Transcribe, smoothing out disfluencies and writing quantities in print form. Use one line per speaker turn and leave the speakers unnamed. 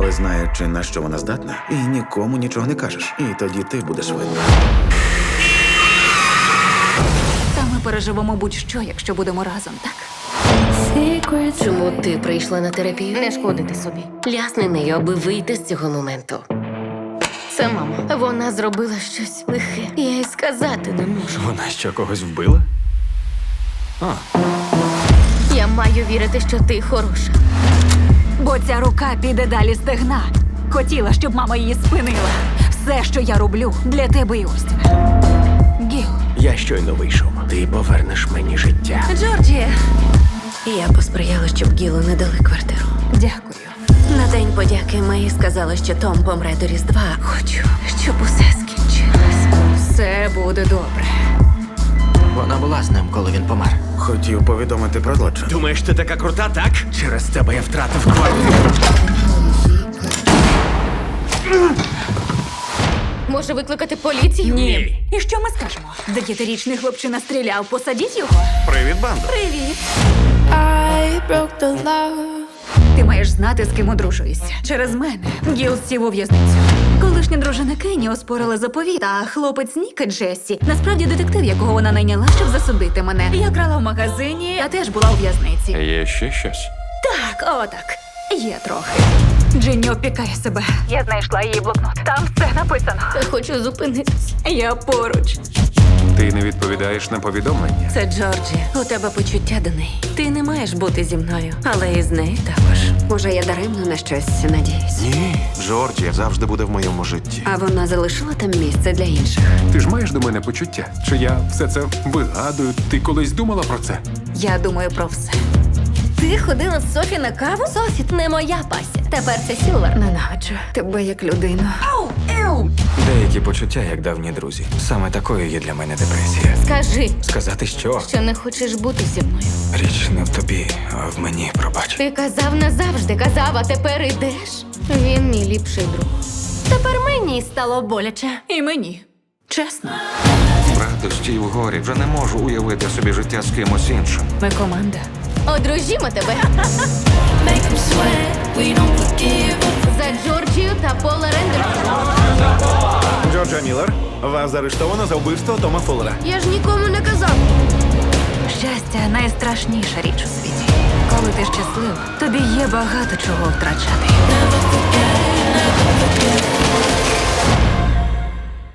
Але знаючи, на що вона здатна, і нікому нічого не кажеш. І тоді ти будеш винна.
Та ми переживемо будь-що, якщо будемо разом, так?
Чому ти прийшла на терапію? Не шкодити собі. Лясни нею, аби вийти з цього моменту. Це мама. Вона зробила щось лихе. Я й сказати не можу.
Вона що, когось вбила?
Я маю вірити, що ти хороша.
Бо ця рука піде далі стегна. Хотіла, щоб мама її спинила. Все, що я роблю, для тебе і Остіна. Гіл.
Я щойно вийшов. Ти повернеш мені життя.
Джорджі.
Я посприяла, щоб Гілу не дали квартиру.
Дякую.
На День подяки Мей сказала, що Том помре до Різдва. Хочу, щоб усе скінчилось.
Все буде добре.
Вона була з ним, коли він помер.
Хотів повідомити про злочин.
Думаєш, ти така крута, так? Через тебе я втратив квартиру.
Може викликати поліцію?
Ні.
І що ми скажемо? 9-річний хлопчина стріляв, посадіть його.
Привіт, бандо.
Привіт.
I broke the law.
Ти маєш знати, з ким одружуєшся. Через мене Гіл сів у в'язницю. Колишня дружина Кенні оспорила заповіт, а хлопець Ніка Джессі насправді детектив, якого вона найняла, щоб засудити мене. Я крала в магазині, я теж була у в'язниці.
Є ще щось?
Так, отак. Є трохи. Джинні опікає себе. Я знайшла її блокнот. Там все написано.
Я хочу зупинитись.
Я поруч.
Ти не відповідаєш на повідомлення?
Це Джорджі. У тебе почуття до неї. Ти не маєш бути зі мною, але і з нею також.
Може, я даремно на щось надіюсь.
Ні, Джорджія завжди буде в моєму житті.
А вона залишила там місце для інших.
Ти ж маєш до мене почуття? Чи я все це вигадую? Ти колись думала про це?
Я думаю про все.
Ти ходила з Софі на каву? Софі не моя пася. Тепер це Сілвер.
Ненавиджу тебе як людину.
Деякі почуття, як давні друзі. Саме такою є для мене депресія.
Скажи,
Сказати що?
що не хочеш бути зі мною.
Річ не в тобі, а в мені, пробач.
Ти казав назавжди, казав, а тепер ідеш. Він мій ліпший друг. Тепер мені стало боляче.
І мені. Чесно.
В радості і в горі вже не можу уявити собі життя з кимось іншим.
Ми команда.
Одружімо тебе.
Make 'em sweat. We don't forgive 'em.
За Джорджію та Пола Рендерсона.
Джорджа Міллер, вас заарештовано за вбивство Тома Фуллера.
Я ж нікому не казав.
Щастя найстрашніша річ у світі. Коли ти щаслива, тобі є багато чого втрачати.
Never forget, never forget.